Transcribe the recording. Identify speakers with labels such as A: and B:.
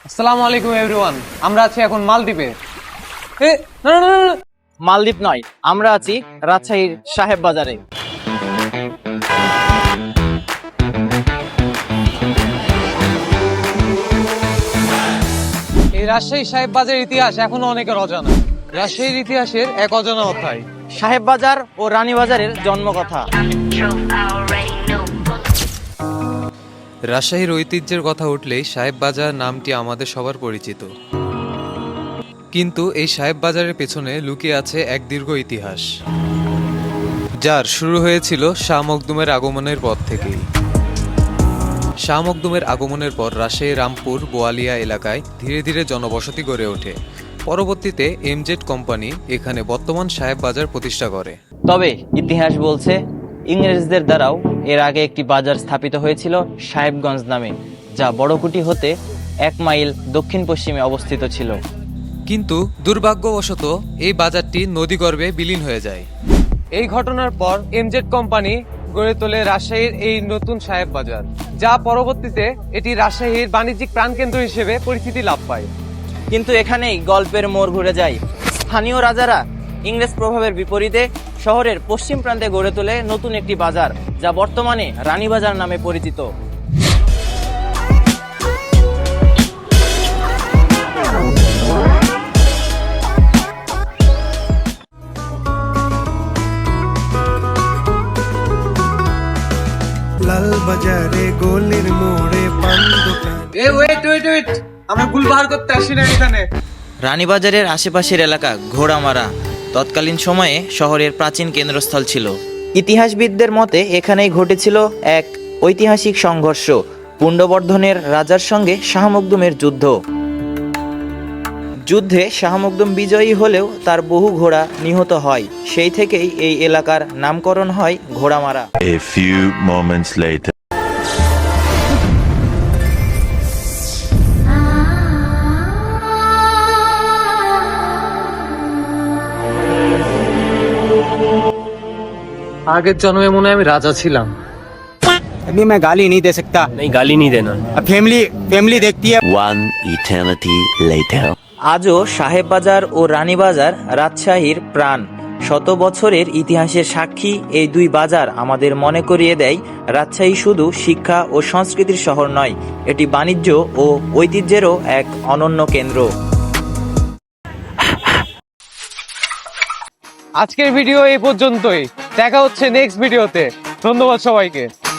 A: আসসালামু আলাইকুম এভরিওয়ান। আমরা আছি এখন মালদ্বীপে। এ না না না না,
B: মালদ্বীপ নয়, আমরা আছি রাজশাহীর সাহেব বাজারে।
A: এই রাজশাহী সাহেব বাজারের ইতিহাস এখনো অনেকের অজানা। রাজশাহীর ইতিহাসের এক অজানা অধ্যায়।
B: সাহেব বাজার ও রানী বাজারের জন্মকথা।
C: রাজশাহীর ঐতিহ্যের কথা উঠলেই সাহেব বাজার নামটি আমাদের সবার পরিচিত, কিন্তু এই সাহেব বাজারের পেছনে লুকিয়ে আছে এক দীর্ঘ ইতিহাস, যার শুরু হয়েছিল শাহ মখদুমের আগমনের পর থেকেই। শাহ মখদুমের আগমনের পর রাজশাহীর রামপুর বোয়ালিয়া এলাকায় ধীরে ধীরে জনবসতি গড়ে ওঠে। পরবর্তীতে এমজেড কোম্পানি এখানে বর্তমান সাহেব বাজার প্রতিষ্ঠা করে।
B: তবে ইতিহাস বলছে ইংরেজদের দ্বারাও এর আগে একটি বাজার স্থাপিত হয়েছিল সাহেবগঞ্জ নামে, যা বড়কুটি হতে 1 মাইল দক্ষিণ পশ্চিমে অবস্থিত ছিল।
C: কিন্তু দুর্ভাগ্যবশত এই বাজারটি নদীগর্ভে বিলীন হয়ে যায়।
A: এই ঘটনার পর এমজেড কোম্পানি গড়ে তোলে রাজশাহীর এই নতুন সাহেব বাজার, যা পরবর্তীতে এটি রাজশাহীর বাণিজ্যিক প্রাণকেন্দ্র হিসেবে পরিচিতি লাভ পায়।
B: কিন্তু এখানেই গল্পের মোড় ঘুরে যায়। স্থানীয় রাজারা ইংরেজ প্রভাবের বিপরীতে শহরের পশ্চিম প্রান্তে গড়ে তোলে নতুন একটি বাজার, যা বর্তমানে রানীবাজার নামে পরিচিত।
D: লাল বাজারে গোলের মোড়ে পান দোকান।
A: ওয়েট, আমরা ভুল বার করতে আসি না এখানে।
B: রানীবাজারের আশেপাশের এলাকা ঘোড়ামারা তৎকালীন সময়ে শহরের প্রাচীন কেন্দ্রস্থল ছিল। ইতিহাসবিদদের মতে এখানেই ঘটেছিল এক ঐতিহাসিক সংঘর্ষ, পুণ্ডবর্ধনের রাজার সঙ্গে শাহ মখদুমের যুদ্ধে শাহ মখদুম বিজয়ী হলেও তার বহু ঘোড়া নিহত হয়। সেই থেকেই এই এলাকার নামকরণ হয় Ghoramara.
E: A few moments later.
A: আগের জন্মে মনে হয় আমি রাজা ছিলাম।
F: अभी मैं गाली नहीं दे सकता।
G: नहीं, गाली नहीं देना।
F: अब फैमिली देखती है।
E: One eternity later.
B: আজও সাহেব বাজার ও রানীবাজার রাজশাহীর প্রাণ। শত বছরের ইতিহাসের সাক্ষী এই দুই বাজার আমাদের মনে করিয়ে দেয় রাজশাহী শুধু শিক্ষা ও সংস্কৃতির শহর নয়, এটি বাণিজ্য ও ঐতিহ্যেরও এক অনন্য কেন্দ্র।
A: আজকের ভিডিও এই পর্যন্তই। দেখা হচ্ছে নেক্সট ভিডিওতে। ধন্যবাদ সবাইকে।